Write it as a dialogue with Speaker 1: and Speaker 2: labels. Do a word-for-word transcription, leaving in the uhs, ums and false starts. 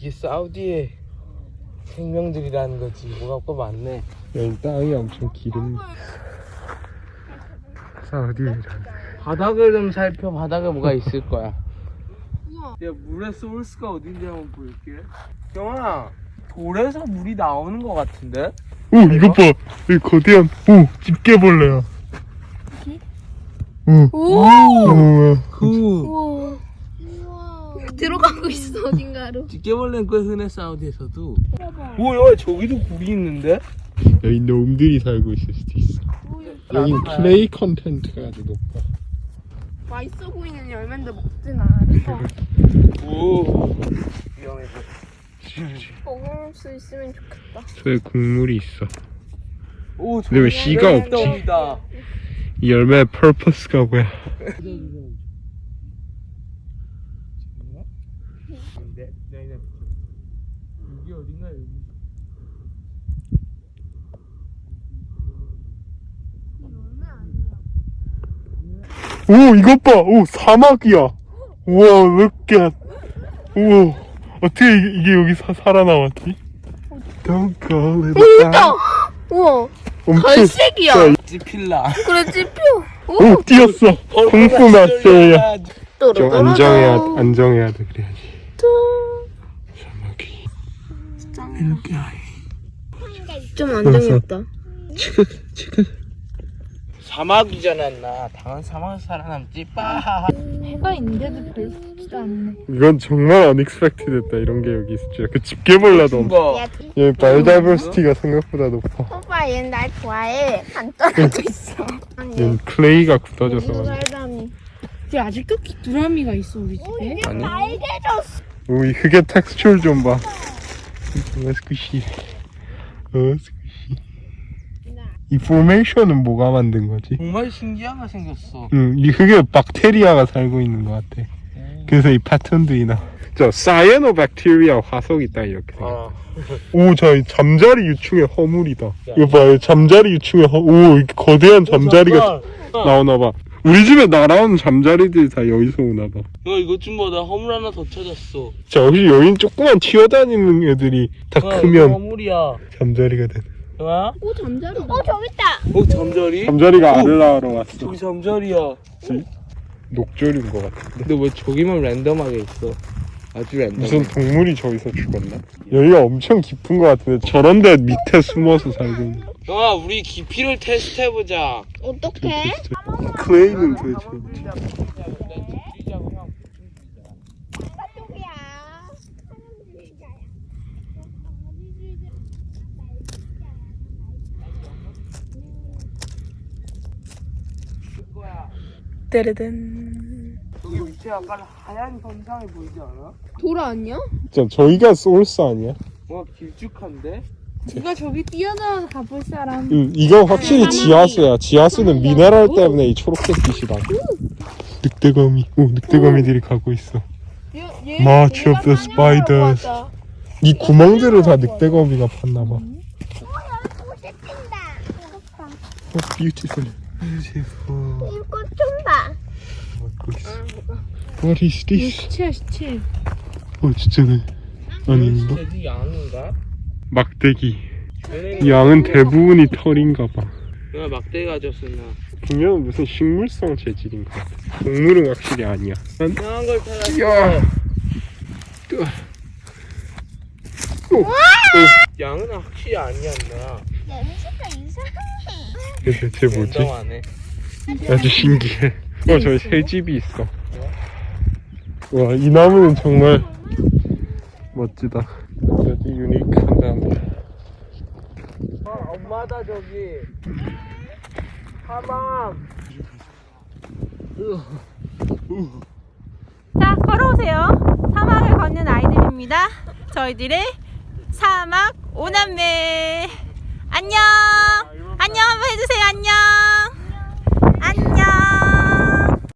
Speaker 1: 이게 사우디의 생명들이라는 거지. 뭐가 또 많네.
Speaker 2: 여기 땅이 엄청 기름. 사우디라는.
Speaker 1: 바닥을 좀 살펴. 바닥에 뭐가 있을 거야. 야, 물의 소스가 어딘지 한번 볼게. 경아, 돌에서 물이 나오는 거 같은데?
Speaker 2: 오, 이것 봐. 여기 거대한, 오, 집게벌레야. 오.
Speaker 3: 오!
Speaker 2: 오.
Speaker 1: 그
Speaker 3: 우와. 들어가고 있어 어딘가로.
Speaker 1: 집게벌레는 꽤 흔해 사우디에서도. 뭐야, 저기도 굴이 있는데?
Speaker 2: 여기 놈들이 살고 있을 수도 있어. 여기 플레이 컨텐츠가 아주 높아.
Speaker 3: 맛있어 보이는 열매인데 먹진 않아.
Speaker 1: 오, 위험해서.
Speaker 3: 먹을 수 있으면 좋겠다.
Speaker 2: 저에 국물이 있어.
Speaker 1: 오,
Speaker 2: 근데 왜 씨가 없지? 이 열매의 퍼포스가 뭐야?
Speaker 1: 여기 어딘가 여기.
Speaker 2: 오, 이것 봐. 오, 사막이야. 우와, look at. 우와, 어떻게 이게, 이게 여기 사, 살아남았지? Don't call it
Speaker 3: 오,
Speaker 2: a
Speaker 3: 있다. 우와.
Speaker 2: 엄청
Speaker 3: 갈색이야.
Speaker 2: 자,
Speaker 1: 찌필라.
Speaker 3: 그래 찝혀.
Speaker 2: 오, 뛰었어. 공포 마스터야. 좀
Speaker 3: 또르르르.
Speaker 2: 안정해야, 안정해야 돼, 그래야지. 사막이. 이렇게.
Speaker 3: 좀 안정했다.
Speaker 2: 치크, 치크.
Speaker 1: 사막이잖아, 나. 당연 사막에서 살아남지. 빠.
Speaker 3: 해가 있는데도 별로 좋지도 않네.
Speaker 2: 이건 정말 unexpected했다. 이런 게 여기 있을 줄. 그 집게벌레도 엄청.
Speaker 1: 거.
Speaker 2: 얘 바이오다이버시티가 생각보다 높아.
Speaker 3: 오빠 얘는 날 좋아해. 안 떨어져 있어.
Speaker 2: 얘는 클레이가 굳어져서. 그래.
Speaker 3: 살담이.
Speaker 4: 근데 아직도 귀뚜라미가 있어 우리 집에.
Speaker 2: 아니.
Speaker 3: 빨개졌어.
Speaker 2: 오, 이 흙의 텍스처를 좀 봐. 정말 스퀴시. 어, 스퀴시. 이 포메이션은 뭐가 만든 거지?
Speaker 1: 정말 신기한 거 생겼어.
Speaker 2: 응, 이 흙에 박테리아가 살고 있는 것 같아. 그래서 이 패턴들이 나. 저 사이아노박테리아 화석 있다 이렇게 생겼.
Speaker 1: 아.
Speaker 2: 오, 저 잠자리 유충의 허물이다. 이거 봐요, 잠자리 유충의 허. 오, 이렇게 거대한 잠자리가 나오나 봐. 우리 집에 날아오는 잠자리들이 다 여기서 오나 봐.
Speaker 1: 야, 이것 좀 봐. 나 허물 하나 더 찾았어.
Speaker 2: 자, 혹시 여긴 조그만 튀어다니는 애들이 다
Speaker 1: 야,
Speaker 2: 크면
Speaker 1: 이거 허물이야.
Speaker 2: 잠자리가 되는.
Speaker 1: 야?
Speaker 3: 오 잠자리. 어 저기 있다.
Speaker 1: 어, 잠자리?
Speaker 2: 잠자리가
Speaker 1: 오!
Speaker 2: 알을 낳으러 왔어.
Speaker 1: 저기 잠자리야.
Speaker 2: 녹조류인 것 같은데.
Speaker 1: 근데 왜 저기만 랜덤하게 있어? 아주 랜덤.
Speaker 2: 무슨 동물이 저기서 죽었나? 여기가 엄청 깊은 것 같은데 저런 데 밑에 숨어서 살고 있는.
Speaker 1: 야, 우리 깊이를 테스트해보자.
Speaker 3: 어떡해?
Speaker 2: 클레이는 도대체 어디?
Speaker 3: 따르든.
Speaker 1: 여기 밑에 약간 하얀 선상이 보이지 않아?
Speaker 3: 돌아 아니야?
Speaker 2: 자, 저희가 소울스 아니야?
Speaker 1: 뭔가 길쭉한데?
Speaker 4: 누가 저기 뛰어나와 가볼 사람.
Speaker 2: 응, 이거 확실히 지하수야. 지하수는 미네랄 때문에 이 초록색빛이 나. 늑대거미. 오, 늑대거미들이 가고 있어. March of the Spiders. 이 구멍들을 다 늑대거미가 팠나봐. Oh, beautiful. Beautiful.
Speaker 3: 이거 좀 봐.
Speaker 2: 먹고 있어. What is this?
Speaker 4: 시체야 시체.
Speaker 2: 어, 진짜네. 아닌가?
Speaker 1: 쟤도 양인가?
Speaker 2: 막대기. 이 양은 대부분이 털인가 봐.
Speaker 1: 야, 막대기 가졌었나?
Speaker 2: 분명 무슨 식물성 재질인가 같아. 동물은 확실히 아니야. 난
Speaker 1: 이상한 걸 찾았어.
Speaker 2: 야. 뜨. 오. 오.
Speaker 1: 양은 확실히 아니었나?
Speaker 3: 냄새가 이상해.
Speaker 2: 이게 대체 뭐지?
Speaker 1: 랜덤하네.
Speaker 2: 아주 신기해. 어, 저기 새집이 있어. 와, 이 나무는 정말 멋지다. 아주 유니크한 나무.
Speaker 1: 아, 엄마다 저기. 사막.
Speaker 4: 자 걸어오세요. 사막을 걷는 아이들입니다. 저희들의 사막 오남매. 안녕. 안녕 한번 해주세요. 안녕.